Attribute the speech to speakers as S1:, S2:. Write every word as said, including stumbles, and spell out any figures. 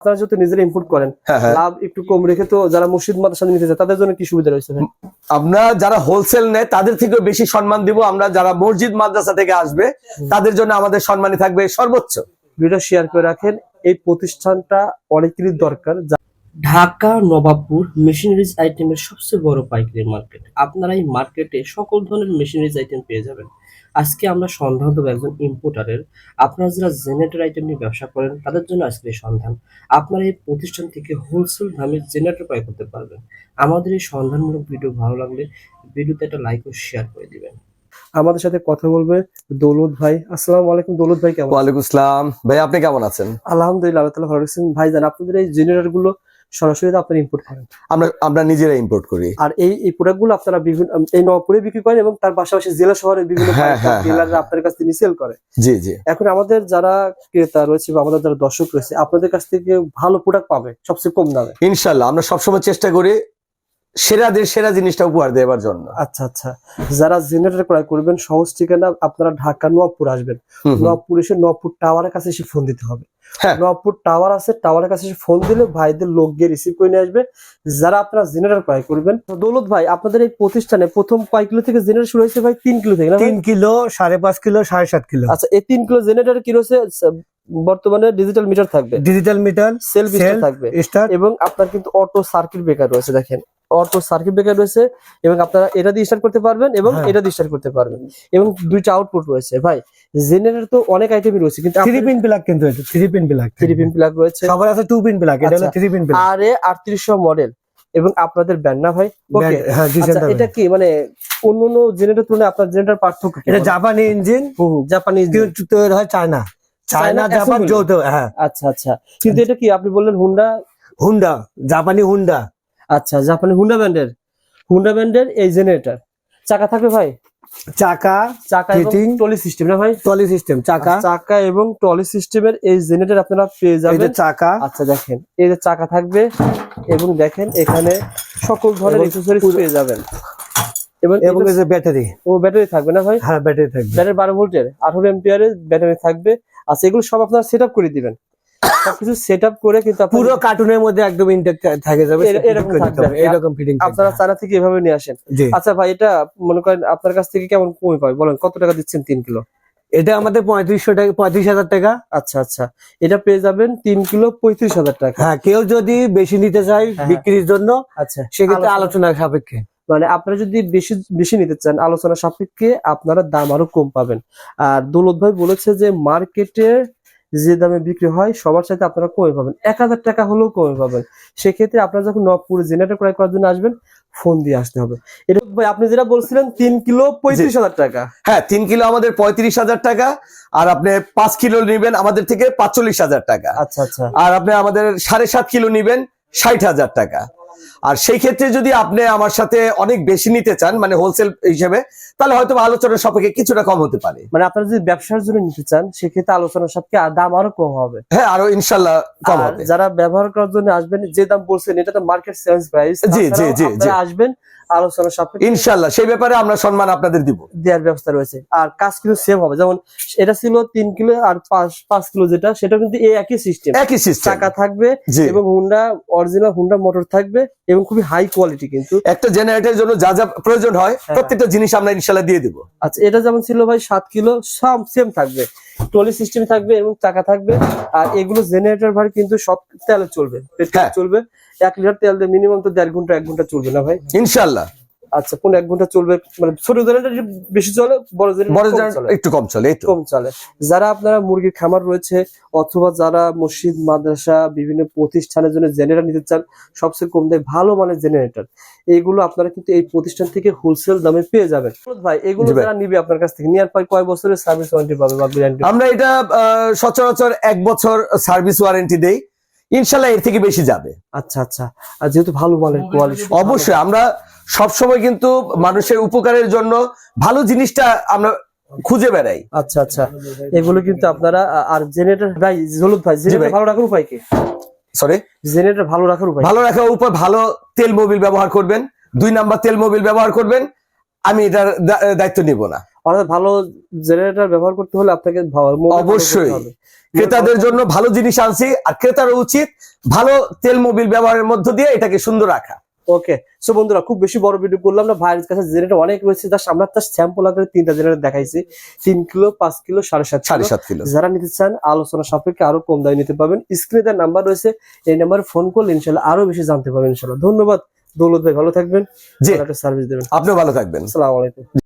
S1: আপনারা যেহেতু নিজেরা ইম্পোর্ট করেন, লাভ একটু কম রেখে তো যারা মসজিদ মাদ্রাসা নিতে যায় তাদের জন্য কি সুবিধা রয়েছে?
S2: আমরা যারা হোলসেল নেয় তাদের থেকে বেশি সম্মান দিব। আমরা যারা মসজিদ মাদ্রাসা থেকে আসবে তাদের জন্য আমাদের সম্মানই থাকবে সর্বোচ্চ।
S1: ভিডিও শেয়ার করে রাখেন। এই প্রতিষ্ঠানটা অনেকেরই দরকার। ঢাকা নবাবপুর মেশিনারিজ আইটেমের সবচেয়ে বড় পাইকারি মার্কেট। আপনারা এই মার্কেটে সকল ধরনের মেশিনারিজ আইটেম পেয়ে যাবেন। আজকে আমরা সন্ধান দেবো একজন ইম্পোর্টারের। আপনারা যারা জেনারেটর আইটেম নিয়ে ব্যবসা করেন তাদের জন্য আজকে এই সন্ধান। আপনারা এই প্রতিষ্ঠান থেকে হোলসেল দামে জেনারেটর ক্রয় করতে পারবেন। আমাদের এই সন্ধানমূলক ভিডিও ভালো লাগলে ভিডিওতে একটা লাইক ও শেয়ার করে দিবেন। আমাদের সাথে কথা বলবে দৌলত ভাই। আসসালামু আলাইকুম দৌলত ভাই, কেমন?
S2: ওয়ালাইকুম আসসালাম ভাই, আপনি কেমন আছেন?
S1: আলহামদুলিল্লাহ, আল্লাহ তাআলা ভালো রাখছেন। ভাই জান, আপনাদের এই জেনারেটর গুলো সরাসরি আপনারা ইম্পোর্ট করেন?
S2: আমরা আমরা নিজেরা ইম্পোর্ট করি।
S1: আর এই এই প্রোডাক্ট গুলো আপনারা বিভিন্ন এই নবপুরে বিক্রি করেন এবং তার পাশাপাশি জেলা শহরে বিভিন্ন ডিলাররা আপনাদের কাছ থেকে সেল করে।
S2: জি জি।
S1: এখন আমাদের যারা ক্রেতা রয়েছে বা আমাদের যারা দর্শক রয়েছে আপনাদের কাছ থেকে ভালো প্রোডাক্ট পাবে সবচেয়ে কম দামে।
S2: ইনশাআল্লাহ আমরা সবসময় চেষ্টা করি সেরাদের সেরা জিনিসটা উপহার দেওয়ার জন্য।
S1: আচ্ছা আচ্ছা। যারা জেনারেটর ক্রয় করবেন সহজ ঠিকানা, আপনারা ঢাকা নবপুর আসবেন। নবপুর এসে নবপুর টাওয়ারের কাছে এসে ফোন দিতে হবে। নবপুর টাওয়ার আছে, টাওয়ারের কাছে এসে ফোন দিলে ভাইদের লোক গিয়ে রিসিভ করে নিয়ে আসবে যারা আপনারা জেনারেটর ক্রয় করবেন। দৌলত ভাই, আপনাদের এই প্রতিষ্ঠানে প্রথম কয় কিলো থেকে জেনারেটর শুরু হয়েছে ভাই? তিন কিলো থেকে না?
S3: তিন কিলো, সাড়ে পাঁচ কিলো, সাড়ে সাত কিলো।
S1: আচ্ছা, এই তিন কিলো জেনারেটর কি রয়েছে? বর্তমানে ডিজিটাল মিটার থাকবে,
S3: ডিজিটাল মিটার,
S1: সেলফ থাকবে এবং আপনার কিন্তু অটো সার্কিট ব্রেকার রয়েছে। দেখেন, অটো সার্কিট ব্রেকার রয়েছে এবং আপনারা এটা দিয়ে স্টার্ট করতে পারবেন এবং এটা দিয়ে স্টার্ট করতে পারবেন এবং দুইটা আউটপুট রয়েছে। ভাই জেনারেটর তো অনেক আইটেমই রয়েছে, কিন্তু
S3: থ্রি পিন প্লাগ, কিন্তু এটা three pin plug,
S1: three pin plug রয়েছে।
S3: সবার আছে টু পিন প্লাগ, এটা হলো থ্রি পিন প্লাগ।
S1: আর এ আটত্রিশশো মডেল এবং আপনাদের ব্যান্ড না ভাই? ওকে,
S3: হ্যাঁ।
S1: এটা কি মানে অন্য অন্য জেনারেটর তুলনায় আপনার জেনারেটর পার্থক্য?
S3: এটা জাপানি ইঞ্জিন,
S1: হুম, জাপানি ইঞ্জিন
S3: তৈরি হয় চায়না, চায়না জাপান যৌথ। হ্যাঁ,
S1: আচ্ছা আচ্ছা। কিন্তু এটা কি আপনি বললেন হুন্ডা?
S3: হুন্ডা, জাপানি হুন্ডা।
S1: আচ্ছা, জাপানি হুন্ডা ব্র্যান্ডের, হুন্ডা ব্র্যান্ডের এই জেনারেটর। চাকা থাকবে ভাই?
S3: চাকা,
S1: চাকা এবং টলি সিস্টেম না ভাই?
S3: টলি সিস্টেম, চাকা,
S1: চাকা এবং টলি সিস্টেমের এই জেনারেটর আপনারা পেয়ে যাবেন।
S3: চাকা,
S1: আচ্ছা দেখেন, এই যে চাকা থাকবে এবং দেখেন এখানে সকল ধরনের অ্যাকসেসরিজ পেয়ে যাবেন এবং
S3: এবং এই যে ব্যাটারি,
S1: ও ব্যাটারি থাকবে না ভাই?
S3: হ্যাঁ, ব্যাটারি থাকবে।
S1: ব্যাটারি বারো ভোল্টের আঠারো এম্পিয়ারের ব্যাটারি থাকবে। আচ্ছা, এগুলো সব আপনারা সেটআপ করে দিবেন। সবকিছু সেটআপ করে কিন্তু
S3: পুরো কার্টুনের মধ্যে একদম ইনটেক থাকে যাবে,
S1: এরকম থাকবে,
S3: এরকম ফিটিং
S1: আপনারা চায়না থেকে এভাবে নিয়ে আসেন। আচ্ছা ভাই, এটা মনে করেন আপনার কাছ থেকে কেমন কমে পাবে বলেন? কত টাকা দিচ্ছেন তিন কিলো?
S3: এটা আমাদের পঁয়ত্রিশশো টাকা, পঁয়ত্রিশ হাজার টাকা।
S1: আচ্ছা আচ্ছা, এটা পেয়ে যাবেন তিন কিলো পঁয়ত্রিশ হাজার টাকা।
S3: হ্যাঁ, কেউ যদি বেশি নিতে চায় বিক্রির জন্য,
S1: আচ্ছা
S3: সেক্ষেত্রে আলোচনা সাপেক্ষে,
S1: মানে আপনারা যদি বেশি বেশি নিতে চান আলোচনা সাপেক্ষে আপনারা দাম আরো কম পাবেন। আর দৌলত ভাই বলেছে যে মার্কেটে যে দামে বিক্রি হয় সবার সাথে আপনারা কমে পাবেন, এক হাজার টাকা হলেও কমে পাবেন। সেক্ষেত্রে আপনারা যখন নবপুর জেনারেটর ক্রয় করার জন্য আসবেন ফোন দিয়ে আসতে হবে। এটা ভাই আপনি যেটা বলছিলেন তিন কিলো পঁয়ত্রিশ হাজার টাকা।
S2: হ্যাঁ, তিন কিলো আমাদের পঁয়ত্রিশ হাজার টাকা, আর আপনি পাঁচ কিলো নিবেন আমাদের থেকে পাঁচচল্লিশ হাজার টাকা।
S1: আচ্ছা আচ্ছা।
S2: আর আপনি আমাদের সাড়ে সাত কিলো নিবেন ষাট হাজার টাকা। আর সেই ক্ষেত্রে যদি আপনি আমার সাথে অনেক বেশি নিতে চান, মানে হোলসেল হিসেবে, তাহলে হয়তো আলোচনার সাপেক্ষে কিছুটা কম হতে পারে।
S1: মানে আপনারা যদি ব্যবসার জন্য নিতে চান সেক্ষেত্রে আলোচনার সাপেক্ষে দাম আরো কম হবে।
S2: হ্যাঁ, আরো ইনশাল্লাহ কম হবে।
S1: যারা ব্যবহার করার জন্য আসবেন, যে দাম বলছেন এটা তো মার্কেট সেলস প্রাইস।
S2: জি জি জি জি,
S1: আসবেন আলোচনার সাপেক্ষে
S2: ইনশাল্লাহ সেই ব্যাপারে আমরা সম্মান আপনাদের দিব,
S1: দেওয়ার ব্যবস্থা রয়েছে। আর কাজ কিন্তু সেম হবে, যেমন এটা ছিল তিন কিলো আর পাঁচ পাঁচ কিলো যেটা, সেটা কিন্তু এই একই সিস্টেম,
S2: একই সিস্টেম।
S1: চাকা থাকবে এবং হুন্ডা অরিজিনাল হুন্ডা মোটর থাকবে এবং খুবই হাই কোয়ালিটি। কিন্তু
S2: একটা জেনারেটরের জন্য যা যা প্রয়োজন হয় প্রত্যেকটা জিনিস আমরা ইনশাল্লাহ দিয়ে দিব।
S1: আচ্ছা, এটা যেমন ছিল ভাই সাত কিলো, সব সেম থাকবে, ট্রলি সিস্টেম থাকবে এবং চাকা থাকবে। আর এগুলো জেনারেটর ভাই কিন্তু সব তেলে চলবে, পেট্রোল চলবে। এক লিটার তেল দিয়ে মিনিমাম তো দেড় ঘন্টা এক ঘন্টা চলবে না ভাই?
S2: ইনশাল্লাহ।
S1: আচ্ছা, কোন এক ঘন্টা চলবে? মানে ছোট জেনারেটর বেশি চলে, বড় জেনারেটর
S2: একটু কম চলে,
S1: কম চলে। যারা আপনারা মুরগির খামার রয়েছে অথবা যারা মসজিদ মাদ্রাসা বিভিন্ন প্রতিষ্ঠানের জন্য জেনারেটর নিতে চান, সবচেয়ে কম দামে ভালো মানের জেনারেটর এইগুলো আপনারা কিন্তু এই প্রতিষ্ঠান থেকে হোলসেল দামে পেয়ে যাবেন। ভাই এগুলো যারা নিবে আপনার কাছ থেকে নেওয়ার পর কয় বছরের সার্ভিস ওয়ারেন্টি পাবে বা গ্যারান্টি?
S2: আমরা এটা সচরাচর এক বছর সার্ভিস ওয়ারেন্টি দেই, ইনশাল্লাহ এর থেকে বেশি যাবে।
S1: আচ্ছা আচ্ছা। আর যেহেতু ভালো মানের কোয়ালিটি,
S2: অবশ্যই আমরা সবসময় কিন্তু মানুষের উপকারের জন্য ভালো জিনিসটা আমরা খুঁজে বেড়াই।
S1: আচ্ছা আচ্ছা, এগুলো কিন্তু আপনারা। আর জেনারেটর ভাই দৌলত ভাই, জেনারেটর ভালো রাখার উপায় কি?
S2: সরি,
S1: জেনারেটর ভালো রাখার উপায়?
S2: ভালো রাখার উপায় ভালো তেল মোবিল ব্যবহার করবেন, দুই নাম্বার তেল মোবিল ব্যবহার করবেন। আমি এটার দায়িত্ব নিব না।
S1: অর্থাৎ ভালো জেনারেটর ব্যবহার করতে হলে আপনাকে ভালো- মোবিল ভালো করতে
S2: অবশ্যই।
S1: হবে।
S2: ক্রেতাদের জন্য ভালো জিনিস আনছি, আর ক্রেতার উচিত ভালো তেল মোবিল ব্যবহারের মধ্য দিয়ে এটাকে সুন্দর রাখা।
S1: ওকে, সো বন্ধুরা খুব বেশি বড় ভিডিও করলাম না, ভাইয়ের কাছে জেনারেটর অনেক রয়েছে, জাস্ট আমরা তার স্যাম্পল আকারে তিনটা জেনারেটর দেখাইছি, তিন কিলো, পাঁচ কিলো, সাড়ে সাত
S2: সাড়ে
S1: কিলো।
S2: সাত কিলো
S1: যারা নিতে চান আলোচনা সাপেক্ষে আরো কম দামে নিতে পারবেন। স্ক্রিনে তার নাম্বার রয়েছে, এই নাম্বারে ফোন করলে ইনশাল্লাহ আরো বেশি জানতে পারবেন ইনশাল্লাহ। ধন্যবাদ দৌলত ভাই, ভালো থাকবেন,
S2: জি,
S1: একটা সার্ভিস দেবেন।
S2: আপনিও ভালো থাকবেন।
S1: আসসালামু আলাইকুম।